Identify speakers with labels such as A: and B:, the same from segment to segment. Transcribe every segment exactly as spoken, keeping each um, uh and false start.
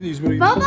A: Baba!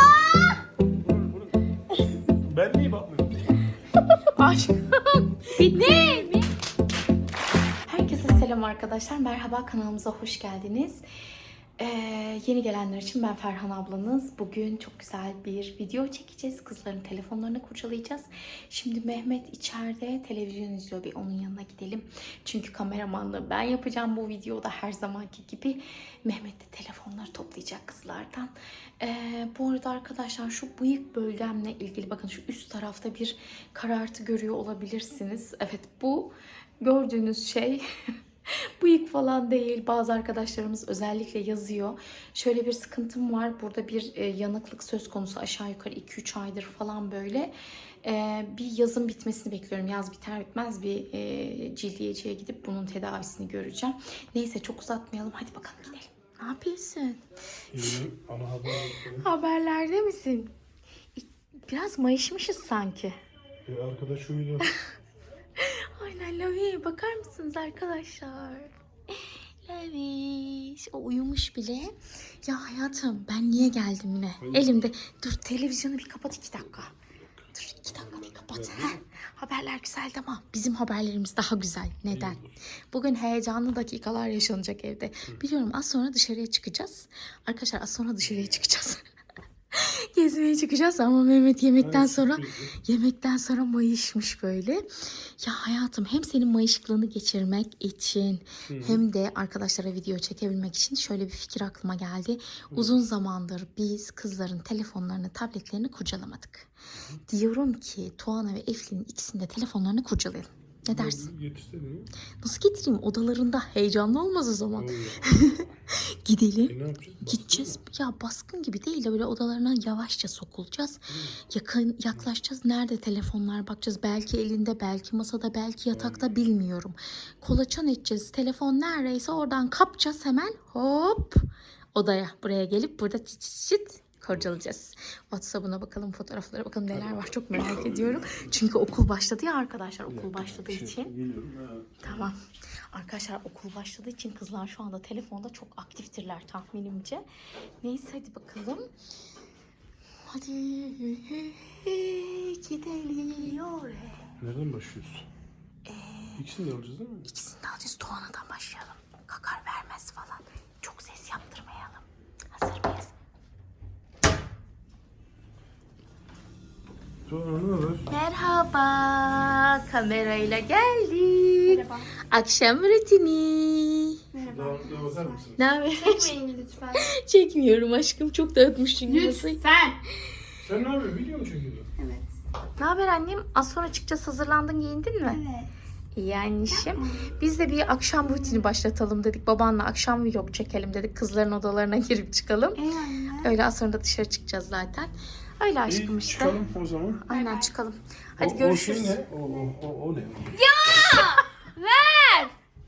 B: Ben niye bakmıyorum?
A: Aşkım. Bitti. Ne? Herkese selam arkadaşlar. Merhaba, kanalımıza hoş geldiniz. Ee, yeni gelenler için ben Ferhan ablanız. Bugün çok güzel bir video çekeceğiz. Kızların telefonlarını kurcalayacağız. Şimdi Mehmet içeride televizyon izliyor. Bir onun yanına gidelim. Çünkü kameramanlığı ben yapacağım bu videoda her zamanki gibi. Mehmet de telefonları toplayacak kızlardan. Ee, bu arada arkadaşlar şu bıyık bölgemle ilgili bakın şu üst tarafta bir karartı görüyor olabilirsiniz. Evet, bu gördüğünüz şey bıyık falan değil. Bazı arkadaşlarımız özellikle yazıyor. Şöyle bir sıkıntım var. Burada bir e, yanıklık söz konusu. Aşağı yukarı iki üç aydır falan böyle. E, bir yazın bitmesini bekliyorum. Yaz biter bitmez bir e, cildiyeciye gidip bunun tedavisini göreceğim. Neyse çok uzatmayalım. Hadi bakalım gidelim. Ne yapıyorsun?
B: İyi, ana haber.
A: Haberlerde misin? Biraz mayışmışız sanki.
B: E, arkadaş uyudu.
A: Aynen Lavi. Bakar mısınız arkadaşlar? Laviş. O uyumuş bile. Ya hayatım ben niye geldim yine?
B: Hayır.
A: Elimde. Dur televizyonu bir kapat iki dakika. Dur iki dakika bir kapat. Heh. Haberler güzeldi ama bizim haberlerimiz daha güzel. Neden? Bugün heyecanlı dakikalar yaşanacak evde. Biliyorum az sonra dışarıya çıkacağız. Arkadaşlar az sonra dışarıya çıkacağız. Gezmeye çıkacağız ama Mehmet yemekten sonra yemekten sonra mayışmış böyle. Ya hayatım hem senin mayışıklığını geçirmek için Hı. hem de arkadaşlara video çekebilmek için şöyle bir fikir aklıma geldi. Hı. Uzun zamandır biz kızların telefonlarını, tabletlerini kurcalamadık. Hı. Diyorum ki Tuana ve Eflin'in ikisinin de telefonlarını kurcalayalım. Ne dersin?
B: Yetiştirmiyor.
A: Nasıl getireyim? Odalarında heyecanlı olmaz o zaman. Gidelim. E, gideceğiz. Ya baskın gibi değil de böyle odalarına yavaşça sokulacağız. Hı. Yakın yaklaşacağız. Nerede telefonlar bakacağız. Belki elinde, belki masada, belki yatakta Hı. bilmiyorum. Kolaçan edeceğiz. Telefon neredeyse oradan kapacağız hemen. Hop. Odaya. Buraya gelip burada çıt çıt çıt kurcalayacağız. WhatsApp'ına bakalım, fotoğraflara bakalım neler var. Çok merak ediyorum. Çünkü okul başladı ya arkadaşlar. Okul başladığı için. Tamam. Arkadaşlar okul başladığı için kızlar şu anda telefonda çok aktiftirler tahminimce. Neyse hadi bakalım. Hadi gidelim.
B: Nereden başlıyoruz? Ee, İkisini de alacağız değil mi?
A: İkisini de alacağız. Tuana'dan başlayalım. Kakar vermez falan. Çok ses yaptırmayalım. Hazır mıyız? Merhaba. Kamerayla geldik. Merhaba. Akşam rutini.
B: Merhaba. Daha, bakar mısınız?
A: Ne haber?
C: Çekmeyin lütfen.
A: Çekmiyorum aşkım. Çok dağıtmışsın.
C: Lütfen.
B: Sen ne yapıyorsun? Video mu çekiyorsun?
C: Evet.
A: Ne haber annem? Az sonra çıkacağız. Hazırlandın, giyindin mi?
C: Evet.
A: İyi anneciğim. Biz de bir akşam rutini başlatalım dedik. Babanla akşam vlog çekelim dedik. Kızların odalarına girip çıkalım.
C: Ey anne.
A: Öyle az sonra da dışarı çıkacağız zaten. Öyle aşkım
B: İyi,
A: işte.
B: çıkalım o zaman.
A: Aynen çıkalım. Hadi
B: o,
A: görüşürüz.
B: O şey ne? O, o, o, o ne?
C: Ver.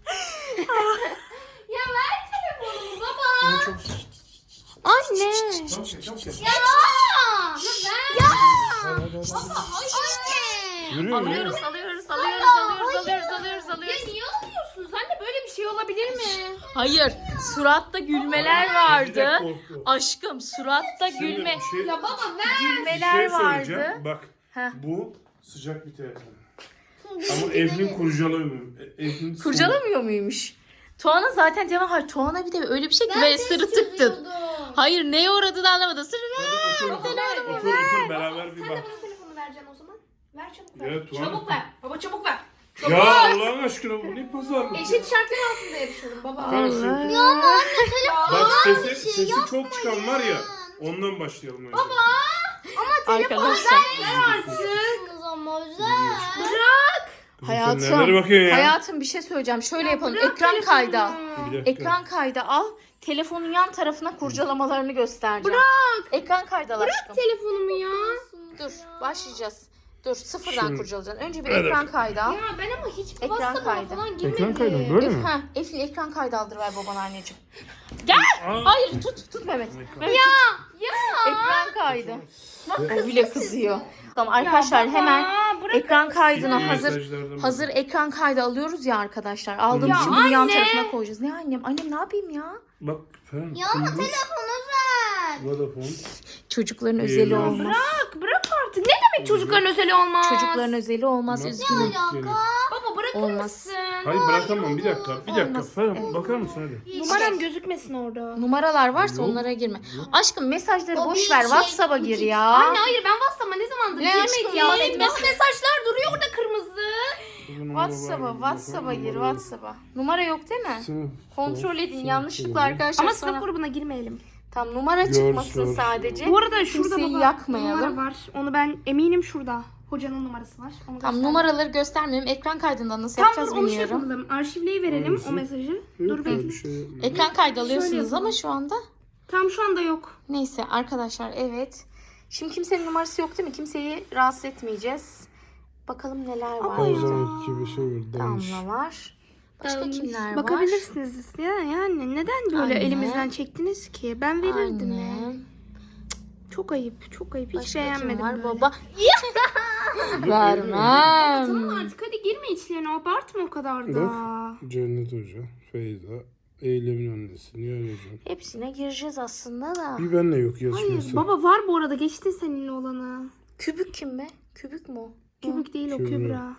C: Ya ver telefonumu baba.
B: O çok...
C: Anne.
B: Çabuk gel, çabuk gel.
C: Ya. Ya ver.
B: Hadi, hadi, hadi.
C: Anne.
B: Yürüyor,
A: Alıyoruz,
B: yürüyor.
A: alıyoruz, alıyoruz, alıyoruz, alıyoruz, alıyoruz,
C: Ya
A: alıyoruz.
C: niye alıyorsunuz? Anne böyle bir şey olabilir mi?
A: Hayır, suratta gülmeler vardı.
B: Bir de korktu.
A: Aşkım, suratta
B: Şimdi
A: gülme,
B: bir şey,
C: Ya baba ver.
B: bir
A: gülmeler
B: şey
A: vardı.
B: söyleyeceğim. Bak
A: Heh.
B: bu sıcak bir telefon. Ama Eflin kurcalamıyor. Eflin
A: Kurcalamıyor muymuş? Tuana zaten cevap hayır. Tuana bir de öyle bir şey ki
C: Ben
A: böyle
C: de
A: sırıtıktın.
C: çözüyordum.
A: Hayır, neye uğradığını anlamadım. Sırrı.
B: Otur, otur, otur, otur, otur, beraber bir
C: Sen de
B: bak.
C: bana telefonu vereceksin o zaman. Ver çabuk ver.
B: Evet, Tuğan.
C: Çabuk ver. Baba çabuk ver.
B: Ya Allah'ın aşkına bu ne pazarlık?
C: Eşit şartlar altında yarışalım baba.
B: Allah.
C: Ya anne telefon.
B: Bak sesi, sesi çok çıkan var ya. Ondan başlayalım önce.
A: Arkadaşlar.
C: Artık. Ama özel.
B: Kızım,
A: Hayatım.
B: Sen nerelere bakıyorsun ya?
A: Hayatım bir şey söyleyeceğim. Şöyle yapalım.
C: bırak
A: Ekran
C: telefonu.
A: kaydı al.
B: Bir dakika.
A: Ekran kaydı al. Telefonun yan tarafına kurcalamalarını göstereceğim.
C: Bırak.
A: Ekran kaydı al aşkım.
C: Telefonumu ya.
A: Dur başlayacağız. Dur sıfırdan
B: Şimdi.
A: kurcalayacaksın. Önce bir
B: Evet.
A: ekran kaydı al.
C: Ya ben ama hiç
A: Ekran
C: WhatsApp'a
A: kaydı.
C: falan girmedim.
B: Ekran kaydı mı? Böyle mi?
A: Ha, Efil ekran kaydı aldırıver babana anneciğim. Gel.
B: Aa.
A: Hayır tut tut Mehmet. Mehmet
C: Ya.
A: tut.
C: Ya.
A: Ekran kaydı. Bak o bile kızıyor. Tamam arkadaşlar hemen ekran kaydına
B: İyi
A: hazır
B: mesajlardan
A: hazır
B: bak.
A: ekran kaydı alıyoruz ya arkadaşlar. Aldığım
B: Ya
A: için bunu yan
C: anne.
A: tarafına koyacağız. Ne annem? Annem ne yapayım ya?
B: Bak falan.
C: Ya ama telefonu ver.
B: Vodafone.
A: Çocukların
B: Ee,
A: özeli
B: ne
A: olmaz.
C: Bırak bırak artık. Ne demek çocukların özeli olmaz?
A: Çocukların özeli olmaz.
B: Nasıl
A: Üzgünüm.
B: yok yani?
C: Baba bırakır
A: Olmaz.
C: mısın?
B: Hayır bırakamam bir dakika. Bir dakika.
A: Olmaz.
B: Ferhan
A: Evet.
B: bakar mısın hadi.
C: Numaram gözükmesin orada.
A: Numaralar varsa
B: Yok.
A: onlara girme. Aşkım mesajları
C: O
A: boş
C: bir
A: ver.
C: şey,
A: WhatsApp'a gir ya.
C: Anne hayır ben WhatsApp'a ne zamandır
A: Ne aşkım
C: girmedim.
A: ya?
C: Benim nasıl mesajlar duruyor orada kırmızı.
A: WhatsApp'a, WhatsApp'a gir, WhatsApp'a. Numara yok değil mi?
B: Sınıf.
A: Kontrol edin.
B: Sınıf
A: Yanlışlıkla
B: grubu.
A: arkadaşlar
C: Ama
A: sana...
C: sınıf grubuna girmeyelim.
A: Tam numara
B: Gör,
A: çıkmasın
B: gör.
A: sadece.
C: Bu arada şurada
A: Kimseyi
C: baba
A: yakmayalım.
C: numara var. Onu ben eminim şurada. Hocanın numarası var. Onu
A: Tam
C: göster.
A: numaraları göstermeyelim. Ekran kaydından nasıl
C: Tam
A: yapacağız
C: dur onu şey
A: bilmiyorum.
C: yapalım. Arşivleyi verelim
B: Hangisi?
C: o mesajı.
B: Yok
C: Dur
B: ya,
C: bekle.
B: bir şey yapmıyorum.
A: Ekran kaydı
C: Şöyle
A: alıyorsunuz ama
C: yapalım.
A: şu anda.
C: Tam şu anda yok.
A: Neyse arkadaşlar evet. Şimdi kimsenin numarası yok değil mi? Kimseyi rahatsız etmeyeceğiz. Bakalım neler var.
C: Ama
B: O
C: ya.
B: zamanki bir şey var. Danış.
A: Damla var. Başka
C: Tamam.
A: kimler var?
C: Bakabilirsiniz. Ya, yani neden böyle
A: Anne.
C: elimizden çektiniz ki? Ben verirdim ya.
A: Anne.
C: Çok ayıp. Çok ayıp. Hiç
A: Başka kim
C: beğenmedim
A: var?
C: böyle.
A: Baba.
C: Tamam
A: Vermem.
C: artık hadi girme içlerine. Abartma o kadar da.
B: Bak. Cennet Hoca, Feyza, Eylem'in annesi, Nihal Hocam.
A: Hepsine gireceğiz aslında da.
B: Bir benle yok
C: Hayır
B: yazışması.
C: baba var bu arada. Geçtin seninle olanı.
A: Kübük kim be? Kübük mü o?
C: Kübük değil o
B: Kübra.
C: Kübra.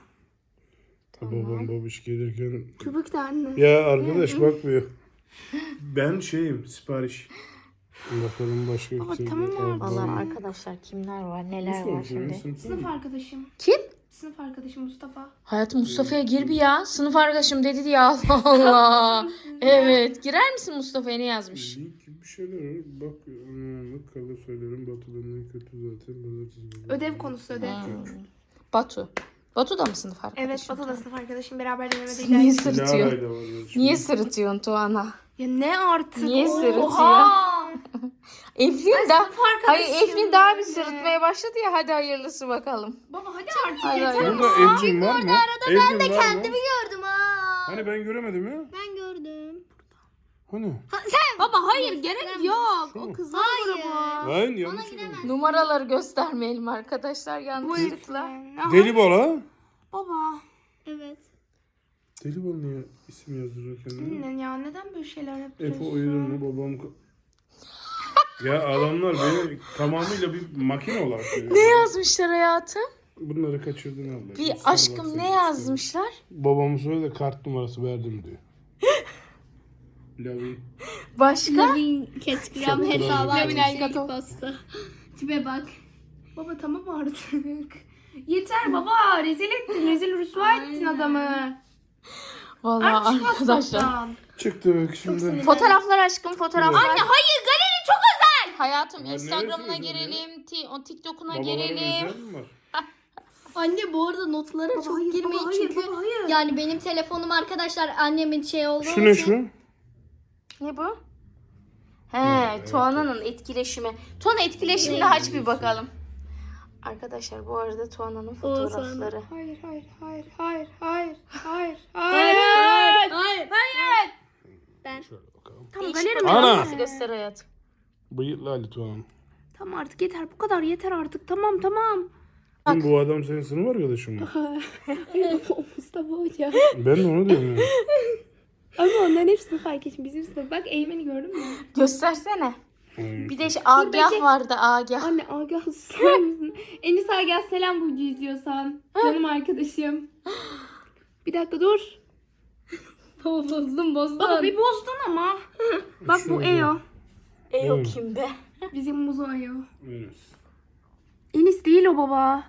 B: Babam babiş gelirken.
C: Kübük de anne.
B: Ya arkadaş bakmıyor. Ben şeyim sipariş. Bakalım başka
C: Baba,
B: kim?
C: tamam
B: Ablam.
C: abi.
A: Vallahi arkadaşlar kimler var neler
B: Mustafa
A: var şimdi.
B: sınıf
C: Sınıf
B: mı?
C: arkadaşım.
A: Kim?
C: Sınıf arkadaşım Mustafa.
A: Hayatım Mustafa'ya gir bir ya. Sınıf arkadaşım dedi diye Allah Allah. Evet. Girer misin Mustafa'ya ne yazmış?
B: Link gibi bir şeyler var. Bak anlamlık kala söylerim. Batı'dan en kötü zaten. Pazartesi.
C: Ödev konusu ödev.
A: Hmm. Batu. Batu da mı sınıf arkadaşın?
C: Evet Batu da sınıf arkadaşım. Beraber
A: Niye
C: denemedeydik.
A: sırıtıyor?
B: Lara'yla var yazışma.
A: Niye sırıtıyorsun Tuana?
C: Ya ne artık?
A: Niye sırıtıyor?
C: Oha!
A: Eflin daha...
C: Sınıf
A: Hayır
C: arkadaşım
A: Eflin daha bir
C: yani.
A: sırıtmaya başladı ya. Hadi hayırlısı bakalım.
C: Baba hadi artık
A: Hayır,
C: yeter.
A: hayır.
B: Burada Evcin var mı? Evcin ben de kendimi
C: gördüm ha.
B: Hani ben göremedim ya.
C: Ben gördüm.
B: Hani?
C: Baba hayır gerek yok.
B: Şu mu?
C: O kızlar grubu.
B: Hayır yanlış söyledim.
A: Numaraları göstermeyelim arkadaşlar yanlışlıkla.
B: Deli Bala.
C: Baba. Evet.
B: Deli Bala niye isim yazdırıyor kendine?
C: Anne ya neden böyle şeyler
B: Efe
C: yapıyorsun?
B: oyunun mu babam... ka- Ya adamlar beni tamamıyla bir makine olarak görüyor.
A: Ne yazmışlar hayatım?
B: Bunları kaçırdın abla.
A: Bir
B: Git sana
A: aşkım
B: bak
A: ne
B: sen.
A: yazmışlar?
B: Babamı söyle de kart numarası verdim diyor. Lavin.
A: Başka?
C: Instagram
B: Çok
C: hesabı
B: troll.
C: açmış ilk posta. Tipe bak. Baba tamam artık. Yeter baba rezil ettin rezil rüsva ettin adamı.
A: Vallahi
C: Artık şu
A: arkadaşlar.
C: WhatsApp'tan.
B: Çıktı bak şimdi.
C: sinirlendim.
A: Fotoğraflar aşkım fotoğraflar.
C: Anne hayır galeri çok özel.
A: Hayatım
B: Ya ne
A: Instagram'ına
B: yazıyorsun ya?
A: girelim, ti- o TikTok'una
B: Babaların
A: girelim.
B: özel mi var?
D: Anne bu arada notlara
C: Baba,
D: çok
C: hayır,
D: girmeyin
C: baba, hayır,
D: çünkü
C: baba, hayır.
D: yani benim telefonum arkadaşlar annemin şey olduğu
B: Şu ne
D: için-
B: şu?
A: Ne bu? He, Tuana'nın etkileşimi. Tuana etkileşimini aç bir bakalım. Arkadaşlar bu arada Tuana'nın fotoğrafları.
C: Hayır hayır hayır hayır hayır hayır
A: Hayır,
C: hayır.
D: Hayır.
C: Hayır.
B: Şöyle bakalım.
C: Tamam
A: Değişik
C: galeri mi?
B: Ana!
A: fotoğrafı göster hayatım.
B: Bıyıklı Ali Tuğan.
C: Tamam artık yeter bu kadar yeter artık tamam tamam.
A: Bak.
B: Bu adam senin sınıf arkadaşın mı?
C: Mustafa Hoca.
B: Ben de onu diyorum ya.
C: Ama onların hepsini fark ettim. Bizim sınıf. Bak Eymen'i gördün mü?
A: Göstersene.
B: Hayır.
A: Bir de şey, Agah
C: bekle.
A: vardı Agah.
C: Anne Agah susar mısın? Enis Agah selam Burcu izliyorsan. Canım arkadaşım. Bir dakika dur.
D: Baba bozdum bozdum.
C: Baba bir bozdun ama. Bak bu
B: Şöyle.
C: Eo.
A: E o
B: Evet.
A: kim be?
C: Bizim muzo Eo.
B: Evet.
C: Enis değil o baba.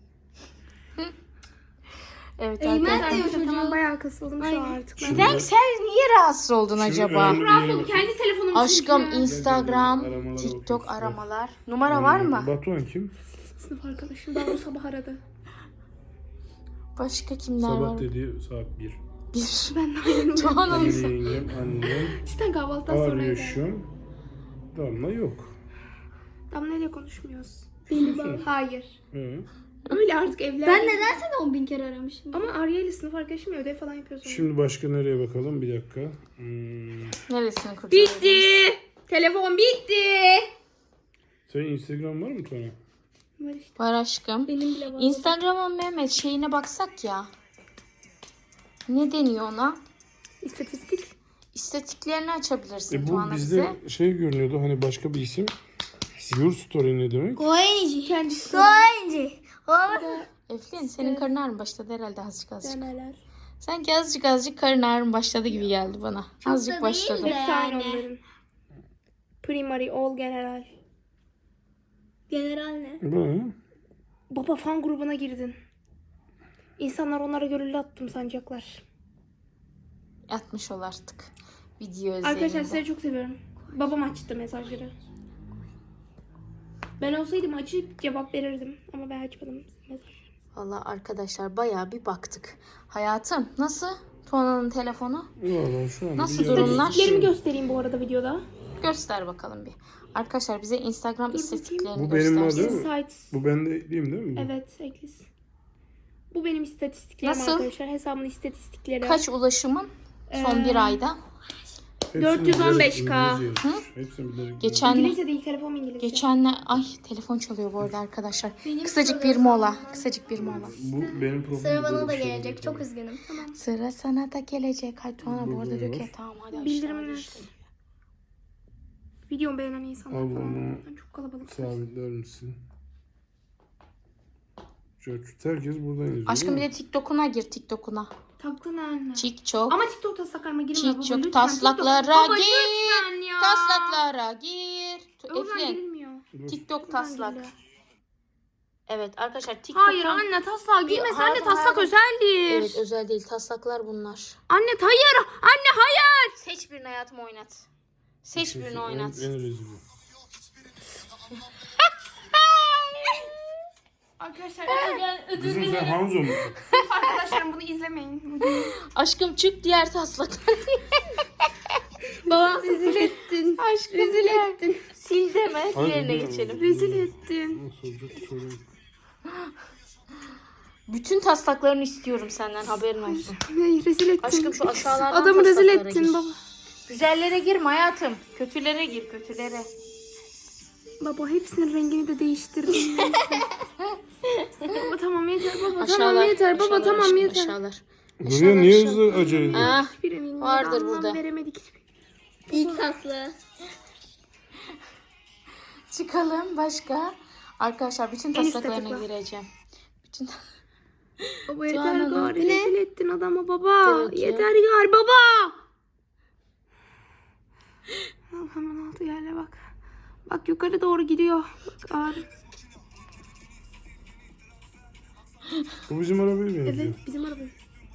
A: Evet
D: Eymen
A: arkadaşlar.
D: de-
C: Arkadaşlar
D: çocuğu.
C: tamam bayağı kasıldım şu an artık. Ben.
A: Neden sen niye rahatsız oldun acaba?
B: önemli-
C: Rahatsız oldum. Kendi telefonum
A: Aşkım
C: çünkü.
A: Instagram,
B: Aramalara
A: TikTok
B: bakıyorsun.
A: aramalar. Numara var mı?
B: Batuhan kim?
C: Sınıf arkadaşım daha o sabah aradı.
A: Başka kimler
B: Sabah
A: var?
B: dediği saat bir.
A: Bir.
C: Ben de ayrılmıyorum.
A: Tuana'nın
B: Emine yengem, annem,
C: Cidden kahvaltıdan sonra
B: arıyor
C: evde.
B: şu an. Damla yok.
C: Damla ile konuşmuyoruz.
D: Deli baba.
C: Hayır.
B: Ee,
C: Öyle artık evler.
D: Ben neden seni on bin kere aramışım?
C: Ama Arya ile sınıf arkadaşım ya, ödev falan yapıyoruz. onunla.
B: Şimdi başka nereye bakalım? Bir dakika. Hmm.
A: Neresini kurcalıyorsun?
C: Bitti. Telefon bitti.
B: Senin Instagram var mı Tuana?
C: Var işte.
A: Var aşkım.
D: Benim bile var.
A: Instagram'ın Mehmet şeyine baksak ya. Ne deniyor ona?
C: İstatistik.
A: İstatiklerini açabilirsin
B: E bu
A: Tuana
B: bizde
A: bize.
B: şey görünüyordu hani başka bir isim. Your story ne demek?
D: Koyuncu. Kendisi. Koyuncu.
A: Eflin senin karın ağrın başladı herhalde azıcık azıcık.
D: Demeler.
A: Sanki azıcık azıcık karın ağrın başladı gibi geldi bana. Azıcık
D: da
A: başladı.
D: değil de.
C: Hepsi aynı
D: Yani.
C: onların. Primary, all, general.
D: General ne?
B: Bu ne?
C: Baba fan grubuna girdin. İnsanlar onlara gönüllü attım sanacaklar.
A: Atmış ol artık. Video özelinde.
C: Arkadaşlar sizleri çok seviyorum. Babam açtı mesajları. Ben olsaydım açıp cevap verirdim. Ama ben açmadım mesajları.
A: Valla arkadaşlar bayağı bir baktık. Hayatım nasıl? Tuana'nın telefonu?
B: Valla şu an
A: Nasıl
B: bir
A: durumlar?
C: İstatistiklerimi göstereyim bu arada videoda.
A: Göster bakalım bir. Arkadaşlar bize Instagram istatistiklerini
B: Bu benim var
A: göstersin.
B: değil mi?
C: Insights.
B: Bu bende değil değil mi?
C: Evet, eklis. Bu benim istatistiklerim
A: Nasıl?
C: arkadaşlar. Hesabımın istatistikleri.
A: Kaç ulaşımın son
C: Ee,
A: bir ayda?
B: Hepsini
C: dört yüz on beş K.
B: bilerek İngilizce yazmış. Hepsini bilerek
A: Geçen
C: İngilizce değil, telefon İngilizce.
A: geçenler ay telefon çalıyor bu arada arkadaşlar.
D: Benim
A: Kısacık bir
D: çalıyor
A: mola.
D: sandım.
A: Kısacık bir mola.
B: Bu benim profilim.
D: Sıra bana
B: böyle
D: da
B: bir şey
D: gelecek.
B: yok.
D: Çok üzgünüm. Tamam.
A: Sıra sana da gelecek. Hay Tuana bu
B: Burada
A: arada diyor ki
B: var.
A: tamam hadi aşağı,
C: Bildirimler.
A: hadi işte.
C: Videomu beğenen insanlar
B: Al
C: falan.
B: bunu.
C: Çok kalabalık.
B: Sabitler misin? Şöyle herkes buradan yazıyor.
A: Aşkım bir
B: değil
A: de TikTok'una gir TikTok'una.
C: Taktın anne.
A: TikTok.
C: Ama TikTok'ta sakarma girme baba.
A: TikTok
C: lütfen.
A: taslaklara
C: TikTok- Baba,
A: gir.
C: lütfen ya.
A: Taslaklara gir. Tu-
C: Oradan
A: Eflin.
C: girilmiyor.
B: mi?
A: TikTok
C: Buradan
A: taslak.
C: giriliyor.
A: Evet arkadaşlar TikTok'un...
C: Hayır anne taslağa girme.
A: Bir-
C: Anne
A: hayır,
C: taslak
A: hayır.
C: özeldir.
A: Evet özel değil taslaklar bunlar.
C: Anne hayır. Anne hayır.
A: Seç birini hayatım oynat. Seç birini oynat.
B: En, en rezili.
C: Arkadaşlar
B: Kızım sen Hanzo musun?
C: arkadaşlarım bunu izlemeyin.
A: Aşkım çık diğer taslaklar.
C: Baba rezil ettin.
A: Aşkım rezil ettin. Sil deme. Diğerine geçelim.
C: Rezil ettin.
B: Nasıl olacak sorun.
A: Bütün taslaklarını istiyorum senden haberin olsun.
C: Ne rezil ettin.
A: Aşkım şu aşağılardan
C: Adamı rezil
A: taslaklara
C: ettin
A: gir.
C: baba.
A: Güzellere girme hayatım. Kötülere gir kötülere.
C: Baba hepsinin rengini de değiştirdin. Baba tamam yeter baba
A: Aşağılar.
C: tamam yeter baba
A: aşağılar
C: tamam
A: aşkım,
C: yeter.
A: Aşağılar.
B: Buraya niye hızlı acele ediyorsun?
A: Ah,
C: Hiçbirinin
A: vardır
C: anlam
A: burada.
C: veremedik hiçbir.
D: İlk taslı.
A: çıkalım başka. Arkadaşlar bütün
C: En üstte
A: taslaklarına
C: tıkla.
A: gireceğim. Bütün
C: Baba yeter
A: Tuana'nın-
C: gari
D: Bu ne?
C: rezil ettin adamı baba.
A: Evet ya.
C: Yeter gari baba. Tamam, hemen altı yerle bak. Bak yukarı doğru gidiyor. Bak ağrı.
B: Bu bizim arabaya benziyor.
C: Evet bizim araba.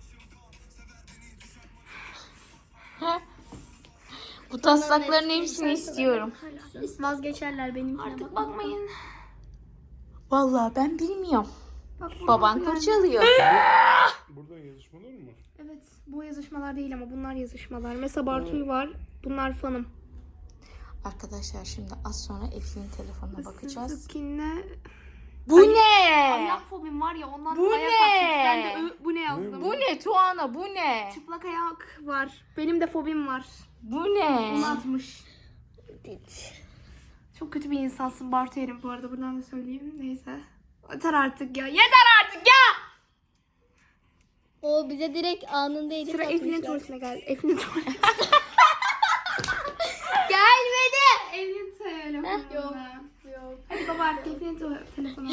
A: bu taslakların hepsini istiyorum.
D: Vazgeçerler benimkine.
C: Artık
D: bak.
C: bakmayın.
A: Vallahi ben bilmiyorum.
C: Bak, buradan
A: Baban
C: altı yerle.
A: kurcalıyor.
B: Buradan yazışmalar mı var?
C: Evet bu yazışmalar değil ama bunlar yazışmalar. Mesela Bartu'yu var. Bunlar fanım.
A: Arkadaşlar şimdi az sonra Eflin'in telefonuna bakacağız.
C: Skin'le
A: Bu ne?
C: ayak fobim var ya ondan
A: Bu
C: ayak
A: ne?
C: atmış. Ben de ö- bu ne yazdım.
A: Bu ne Tuana bu ne?
C: Çıplak ayak var. Benim de fobim var.
A: Bu ne?
C: Onu atmış. Çok kötü bir insansın Bartu Erim bu arada buradan da söyleyeyim. Neyse. Yeter artık ya. Yeter artık ya.
D: O bize direkt anında edit
C: Sıra
D: atmışlar.
C: Eflin'in tuvaletine geldi. Eflin'in tuvaletine.
D: Gelmedi.
C: Eflin'in telefonuna.
D: Yok. Yok.
C: Hadi baba artık Eflin'in tu- telefonu.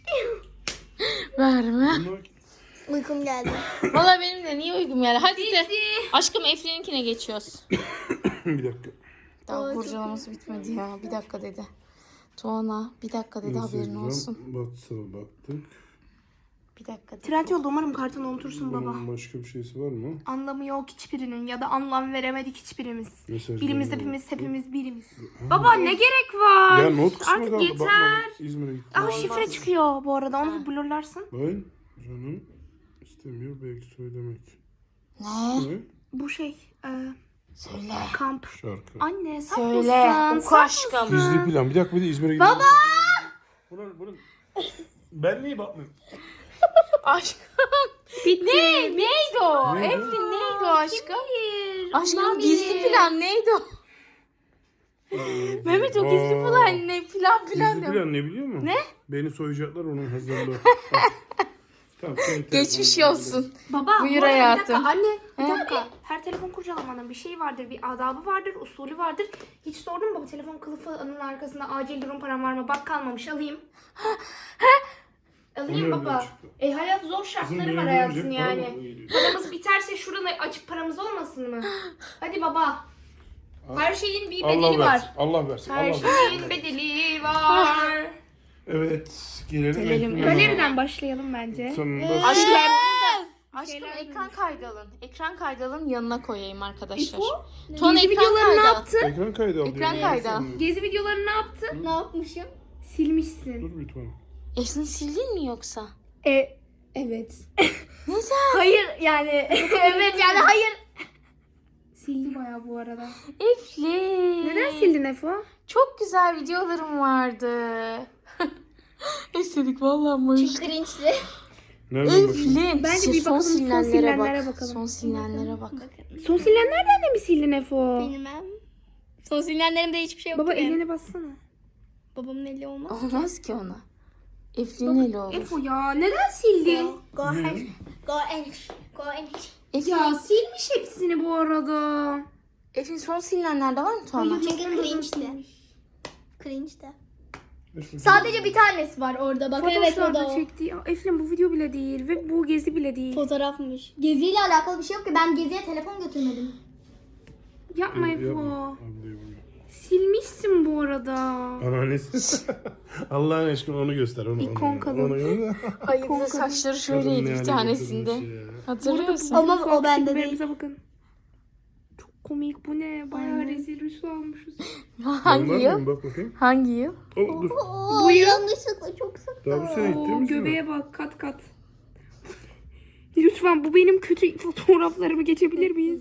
A: Verme.
B: Bunlar
D: Uykum geldi.
A: Valla benim de niye uygun yani. Hadi de. Aşkım Eflin'inkine geçiyoruz.
B: bir dakika.
A: Daha
D: Ay, çok
A: kurcalaması bitmedi ya. Bir dakika dedi. Tuana bir dakika dedi haberin
B: Instagram,
A: olsun.
B: WhatsApp'a baktık.
A: Bir dakika dedi.
C: Trendyol'da umarım kartını unutursun baba.
B: Bunun başka bir şeysi var mı?
C: Anlamı yok hiçbirinin ya da anlam veremedik hiçbirimiz.
B: Mesajlar
C: Birimiz
B: var.
C: hepimiz hepimiz birimiz. Baba ne gerek var?
B: Ya not kısmı
C: Artık
B: kaldı.
C: yeter.
B: Bakmadım. İzmir'e gittim.
C: Ah şifre çıkıyor bu arada onu blurlarsın.
B: Ben canım istemiyor belki söylemek.
A: Ne?
B: Ne?
C: Bu şey e,
A: Söyle.
C: kamp.
B: Şarkı.
C: Anne saf
A: Söyle.
C: mısın?
A: Oku
C: Saf
A: aşkım.
C: mısın?
B: Gizli plan. Bir dakika bir de İzmir'e gidelim. Baba! Bunun, bunun... Ben niye bakmıyorum?
A: Aşkım.
C: Bitti.
A: Ne? Neydi o?
B: Neydi?
A: Eflin neydi o aşkım?
C: Bilir.
A: Aşkım
C: Ulan
A: gizli
C: bilir.
A: plan neydi o? Mehmet o gizli
B: Aa,
A: plan ne? Plan plan
B: Gizli
A: ne?
B: plan ne biliyor musun?
A: Ne?
B: Beni soyacaklar onun hazırlığı. Tamam, senin
A: Geçmiş
B: telefonun
A: olsun.
C: Baba
A: Buyur
C: bu arada
A: hayatım.
C: bir dakika anne bir
A: He?
C: dakika. Her telefon kurcalamanın bir şeyi vardır, bir adabı vardır, usulü vardır. Hiç sordun mu baba telefon kılıfının arkasında acil durum param var mı? Bak kalmamış alayım. Alayım
B: Onu
C: baba.
B: öyle çıktı.
C: E hayat zor
B: Kızım,
C: şartları
B: benim
C: var
B: benim
C: hayatın
B: cep
C: yani.
B: param geliyor.
C: Paramız biterse şuradan açıp paramız olmasın mı? Hadi baba. Her şeyin bir bedeli
B: Allah
C: var.
B: versin. Allah versin.
C: Her
B: Allah versin.
C: şeyin bedeli var.
B: Evet. Gelelim.
A: Gelelim.
B: ekrana.
C: Galeriden başlayalım bence.
B: Tamam.
A: Aşkım,
B: bas-
A: aşkım
C: Şeyler
A: ekran kaydı alın. Ekran kaydı alın, yanına koyayım arkadaşlar.
C: İfo,
A: Tuana
C: Gezi
A: ekran
C: videolarını
A: kaydı
C: ne
A: al.
C: yaptın?
B: Ekran kaydı al.
A: Ekran
B: diyorum.
A: kaydı al.
C: Gezi videolarını ne yaptın?
D: Ne yapmışım?
C: Silmişsin.
B: Dur bir tane.
A: Eflin sildin mi yoksa?
C: E, evet.
A: Neden?
D: Hayır yani. evet yani hayır.
C: Sildi bayağı bu arada.
A: Eflin.
C: Neden sildin Efo?
A: Çok güzel videolarım vardı. Estetik vallahi.
D: Çünkü cringe'li.
B: Nereden bakayım?
A: Eflin.
C: Bence
A: Şey,
C: bir bakalım, son
A: silinenlere
C: silinenlere
A: bak.
C: bakalım.
A: Son silinenlere bak.
C: Son silenlerden de mi sildin Efo?
D: Bilmem. Son silinenlerimde hiçbir şey yok.
C: Baba
D: benim.
C: eline bassana.
D: Babamın eli olmaz.
A: Olmaz ki ona. Eflin eli olur.
C: Efo ya neden sildin?
D: Go ahead. Go and go and
A: Eflin,
C: Ya silmiş hepsini bu arada.
A: Eflin son silinenlerde var mı Tuana?
D: Çünkü cringe'li. Cringe'de.
B: Sadece
D: Sadece bir tanesi var orada bak. Evet o da
C: Fotoğraflarda
D: o.
C: çektiği. Aa, Eflin bu video bile değil ve bu gezi bile değil.
D: Fotoğrafmış. Geziyle alakalı bir şey yok ki. Ben geziye telefon götürmedim.
C: Yapma Efo.
B: Yapma. Abi, yapma.
C: Silmişsin bu arada.
B: Anneannesi. Allah'ın aşkına onu göster. Onu,
C: İkon
B: onu,
C: kadın.
B: Onu göster.
A: Ay bir de saçları
B: Kadın
A: şöyleydi
B: ne
A: bir
B: hale
A: tanesinde.
B: getirmiş ya.
A: Hatırlıyor musun?
D: Ama
C: Fuat
D: o bende değil.
C: filmlerimize bakın. Çok komik bu ne? Bayağı rezil rüsva olmuşuz.
A: Hangi
B: Onlar
A: yıl?
B: mı? Bak bakayım.
A: Hangi yıl?
B: Oh, dur.
D: Oo,
C: Bu yıl-
D: yanlışlıkla çok sıktı.
B: Daha bir sene gitti
C: Oo,
B: mi?
C: göbeğe bak kat kat. Lütfen bu benim kötü fotoğraflarımı geçebilir miyiz?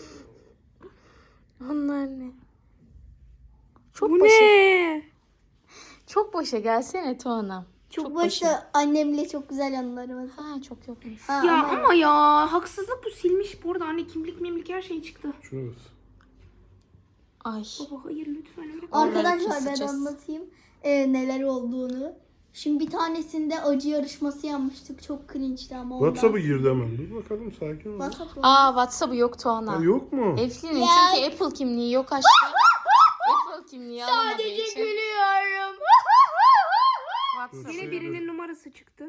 A: Onlar ne? Çok
C: Bu
A: boşa,
C: ne?
A: çok boşa gelsene Tuana.
D: Çok,
A: Çok
D: başta annemle çok güzel anılarım var.
A: Ha çok yokmuş.
D: Ha,
C: Ya
D: ama-
C: ama ya haksızlık bu silmiş. Bu arada anne kimlik mimlik her şey çıktı.
B: Şuna bak.
A: Ay.
C: Baba hayır lütfen öyle.
D: Arkadaşlar ben
A: keseceğiz.
D: anlatayım e, neler olduğunu. Şimdi bir tanesinde acı yarışması yapmıştık. Çok cringe'di ama ondan.
B: WhatsApp'a girdi hemen. Dur bakalım sakin ol.
D: WhatsApp mı?
A: Aa WhatsApp'ı yok Tuana.
B: Ha, yok mu?
A: Eflin'in
D: Ya.
A: çünkü Apple kimliği yok aşkım. Apple kimliği alamadığı
D: Sadece
A: için.
D: gülüyorum.
A: WhatsApp.
C: Yine birinin numarası çıktı.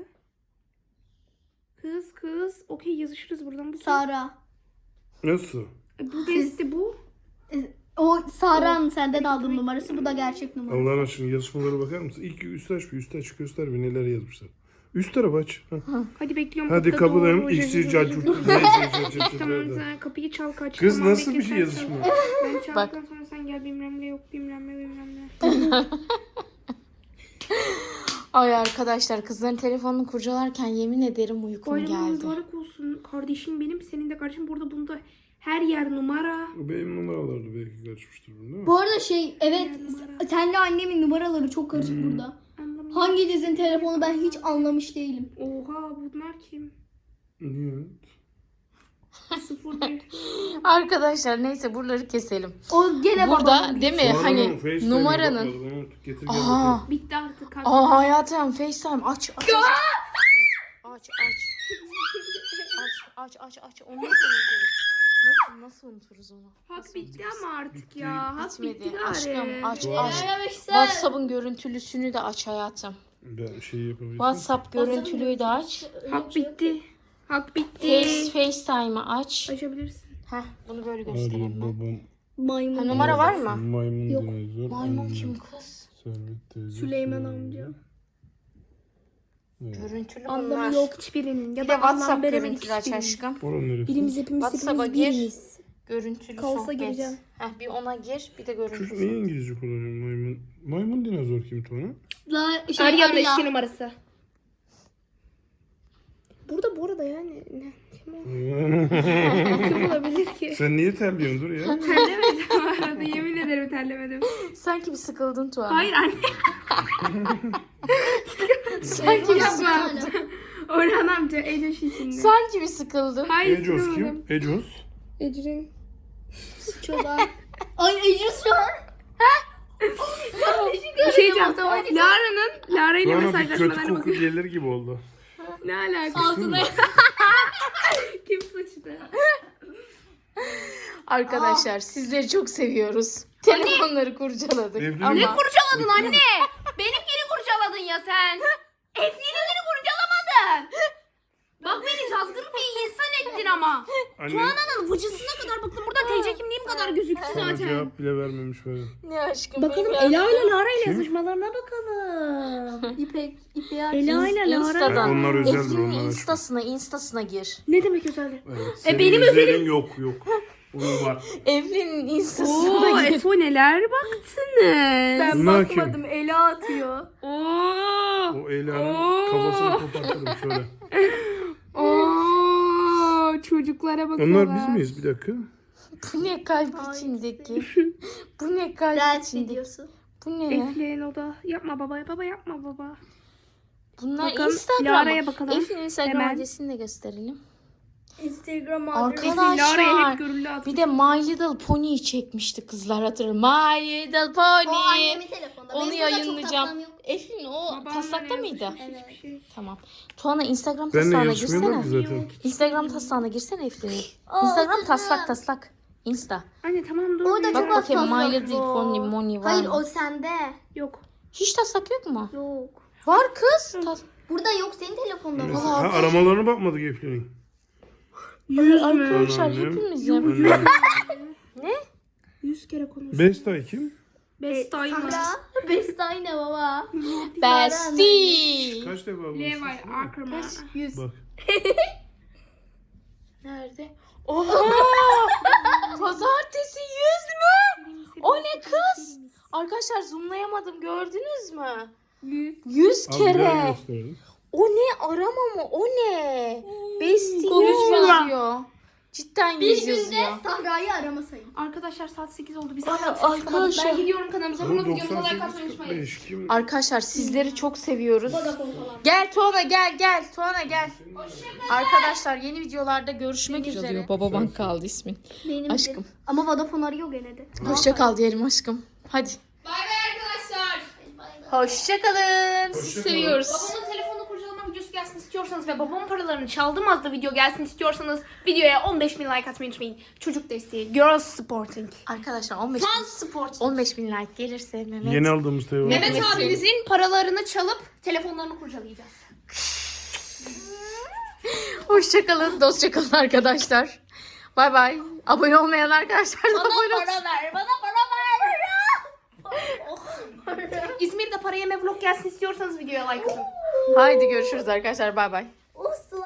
C: Kız kız. Okey yazışırız buradan. Bu kim?
D: Sara.
B: Nasıl?
C: E, Bu besti bu.
D: O Sara'nın senden aldığım numarası. Bu da gerçek numara.
B: Allah'ın aşkına yazışmalara bakar mısın? İlk üst aç bir üst aç göster bir neler yazmışlar. Üst taraf aç. Heh.
C: Hadi bekliyorum.
B: Hadi
C: kapıda
B: kapıdayım.
C: doğru.
B: İkisi cacuk.
C: Tamam sen kapıyı çal kaç.
B: Kız
C: Tamam,
B: nasıl
C: bekle,
B: bir şey
C: sen
B: yazışma?
C: çal. Ben çaldıktan
A: Bak.
C: sonra sen gel bilmem ne yok bilmem ne bilmem ne.
A: Ay arkadaşlar kızların telefonunu kurcalarken yemin ederim uykum
C: Bayramın
A: geldi.
C: mübarek olsun. Kardeşim benim senin de kardeşim. Burada bunda her yer numara.
B: Benim numaralardı belki kaçmıştır bunu değil mi?
D: Bu arada şey evet
C: Numara.
D: senle annemin numaraları çok karışık burada.
C: Anlamıyorum.
D: Hanginizin telefonu ben hiç anlamış değilim.
C: Oha bunlar kim?
B: Niye?
C: Sıfır bir.
A: Arkadaşlar neyse buraları keselim.
D: O gene
A: Burada
D: babamın.
A: değil mi?
B: Sonra
A: Hani
B: mı? FaceTime'e
A: numaranın.
B: bakmadı, onu getir gel
A: Aha.
B: bakalım.
C: Bitti artık. kalk.
A: Aa hayatım FaceTime aç aç. Aç aç. Aç aç aç aç. Onu nasıl unuturuz? Nasıl nasıl unuturuz onu?
C: Hak
A: Nasıl
C: bitti
A: unuturuz?
C: ama artık
B: Bitti.
C: ya. Hak
A: Bitmedi.
C: bitti gari.
A: Aşkım aç
B: Var.
A: aç.
D: Aramışsın.
A: WhatsApp'ın görüntülüsünü de aç hayatım.
B: Ben şey yapabilirim.
A: WhatsApp görüntülüyü de aç.
C: Hak bitti. Hak bitti.
A: Face, FaceTime'ı aç.
C: Açabilirsin.
A: Heh, bunu böyle
B: Hadi
A: göstereyim ben.
B: babam.
D: Maymun.
A: Ha, numara var mı?
B: Maymun
D: Yok.
B: dinozor.
A: Maymun
B: annem,
A: kim kız?
B: Servet teyze.
C: Süleyman
B: Süleyman.
C: amca.
B: Evet.
A: Görüntülü
C: Anlamı
A: bunlar.
C: yok hiçbirinin. Ya
A: Bir
C: da
A: de WhatsApp
C: anlam veremedik
A: görüntülü aç
C: hiçbirinin.
A: aşkım.
B: Oranın neresi?
C: Birimiz hepimiz
A: WhatsApp'a
C: hepimiz
A: gir.
C: birimiz.
A: Görüntülü
C: Kaosa
A: sohbet.
C: gireceğim.
A: Heh, bir ona gir bir de görüntülü
B: Çocuk niye
A: sohbet.
B: İngilizce kullanıyor maymun? Maymun dinozor kim Tuana?
D: La, şey,
C: Arya'nın
D: Arya.
C: eski numarası. Burada bu arada yani ne? Kim, o- kim olabilir ki?
B: Sen niye terliyorsun dur ya?
C: Terlemedim bu arada yemin ederim terlemedim.
A: Sanki bir sıkıldın Tuğan.
C: Hayır anne.
A: Sanki bir sıkıldın.
C: Yapma. Orhan amca Ecoş içinde.
A: Sanki bir sıkıldın.
C: Hayır
B: Ecos
C: sıkılmadım.
B: kim? Ecos.
C: Ecrin.
D: Çoban. Ay Ecus şu an.
C: Bir şey diyeceğim.
D: otomatik.
C: Lara'nın Lara ile
B: Tuana bir kötü
C: mesajlaşmalarına
B: koku
C: bakın.
B: gelir gibi oldu.
C: Ne alaka?
B: Altına.
C: Kim sıçtı?
A: Arkadaşlar sizleri çok seviyoruz. Telefonları kurcaladık.
B: Evli
A: Ama
B: mi?
C: Ne kurcaladın anne? Benimkini kurcaladın ya sen. Eflin'inkini kurcalamadın. Bak beni cazgır bir insan ettin ama.
B: Anne
C: Tuana'nın vıcısına kadar baktım. Burada T C kimliğim kadar gözüktü
B: sana
C: zaten.
B: cevap bile vermemiş böyle.
A: ne aşkım.
C: Bakalım
A: benim
C: Ela ile Lara ile
B: Kim?
C: yazışmalarına bakalım.
D: İpek, İpek'e
C: Ela ile Lara.
A: Insta'dan.
B: Ha, onlar özeldir,
A: Eflin'in
B: onlar aşkım.
A: instasına, instasına gir.
C: Ne demek özeldi?
B: Evet.
C: E,
B: Senin
C: benim
B: özelin
C: özelim-
B: yok yok. Onun var.
A: Eflin'in
C: Oo,
A: instasına gir.
C: Efo neler baktınız.
B: Bunlar kim?
D: Ela atıyor.
C: Oo.
B: O Ela'nın
C: Oo.
B: kafasını kopartırım şöyle.
C: Oo, çocuklara bakıyorlar.
B: Onlar biz miyiz? Bir dakika.
A: Bu ne kalp içindeki? Bu ne kalp
D: Ders
A: içindeki?
D: videosu.
A: Bu ne?
C: Efle'nin o da. Yapma baba, baba yapma baba.
A: Bunlar
C: Bakalım,
A: Instagram.
C: Lara'ya bakalım.
A: Eflin'in Instagram
C: Hemen.
A: adresini de gösterelim.
D: Instagram
A: Arkadaşlar.
C: Lara'ya hep görüldü atmış.
A: Bir de My Little Pony'yi çekmişti kızlar hatırlar. My Little
D: O
A: Pony.
D: annemin telefonunda.
A: Onu
D: Benim burada çok
A: yayınlayacağım.
D: taslam yok.
A: Eflin o
C: Babamla
A: taslakta
C: ne
A: mıydı?
C: yazmış?
D: Evet.
C: Hiçbir şey.
A: Tamam. Tuana Instagram
B: Benle
A: taslağına
B: yazışmıyorlar
A: girsene.
B: ki zaten.
A: Instagram taslağına girsene Eflin'in.
D: Aa,
A: Instagram
D: canım.
A: taslak taslak. Insta.
C: Anne tamam dur.
D: Orada
C: bir-
D: çok
A: Bak
D: az
A: bakayım My
D: taslak
A: Little
D: var.
A: Pony Moni var
D: Hayır
A: mı?
D: o sende.
C: Yok.
A: Hiç taslak yok mu?
D: Yok.
A: Var kız. Tas-
D: Burada yok, senin telefonda var.
B: Ha, aramalarına bakmadık Eflin'in.
C: Yüz mü?
A: Arkadaşlar
B: Annem.
A: hepimizin.
B: Annem.
C: Yüz kere konuş.
B: Bestay kim?
C: Best time mı?
D: Sahra. Bestay ne baba?
A: Bestie.
B: Kaç defa
C: Levi
B: bulmuşsun?
C: Ackerman.
D: Yüz.
B: Bak.
A: Nerede? Oha! Pazartesi yüz mü? O ne kız? Arkadaşlar zoomlayamadım, gördünüz mü?
C: Yüz.
A: Yüz
B: Al bir daha
A: kere.
B: gösterelim.
A: O ne, arama mı? O ne? Bestie
C: konuşma.
A: yüz yazıyor. Cidden
D: Bir
A: yüz
D: günde
A: yazıyor.
D: Sahra'yı arama sayın.
C: Arkadaşlar saat sekiz oldu. Biz
A: Ay,
C: hala ses çıkamadık.
A: arkadaşlar.
C: Ben gidiyorum kanalımıza.
B: Bu
C: Bunu videomuza like
B: doksan
C: atmayı
B: sekiz kırk
C: unutmayın.
B: beş kim?
A: Arkadaşlar sizleri çok seviyoruz.
D: Vodafone falan.
A: Gel Tuana gel gel. Tuana gel. Arkadaşlar yeni videolarda görüşmek üzere. Baba bank kaldı ismin.
D: Benim
A: Aşkım.
D: de- Ama Vodafone arıyor gene de.
A: Hoşça kal diyelim aşkım. Hadi.
C: Bay bay arkadaşlar.
A: Hoşça kalın. Sizi
B: Hoşça kalın.
A: seviyoruz.
C: Babamın telefonunu kurcalama videosu gelsin istiyorsanız ve babamın paralarını çaldım az da video gelsin istiyorsanız videoya on beş bin like atmayı unutmayın. Çocuk desteği. Girls Supporting.
A: Arkadaşlar on beş bin,
C: Sport.
A: on beş bin like gelirse Mehmet.
B: Yeni aldığımız telefon.
C: Mehmet
A: Evet.
C: abinizin paralarını çalıp telefonlarını kurcalayacağız.
A: Hoşça kalın, dostça kalın arkadaşlar. Bay bay. Abone olmayan arkadaşlar da abone olsun.
D: ver, bana para ver.
C: İzmir'de para yeme vlog gelsin istiyorsanız videoya like atın.
A: Haydi görüşürüz arkadaşlar. Bay bay.
D: Uslu.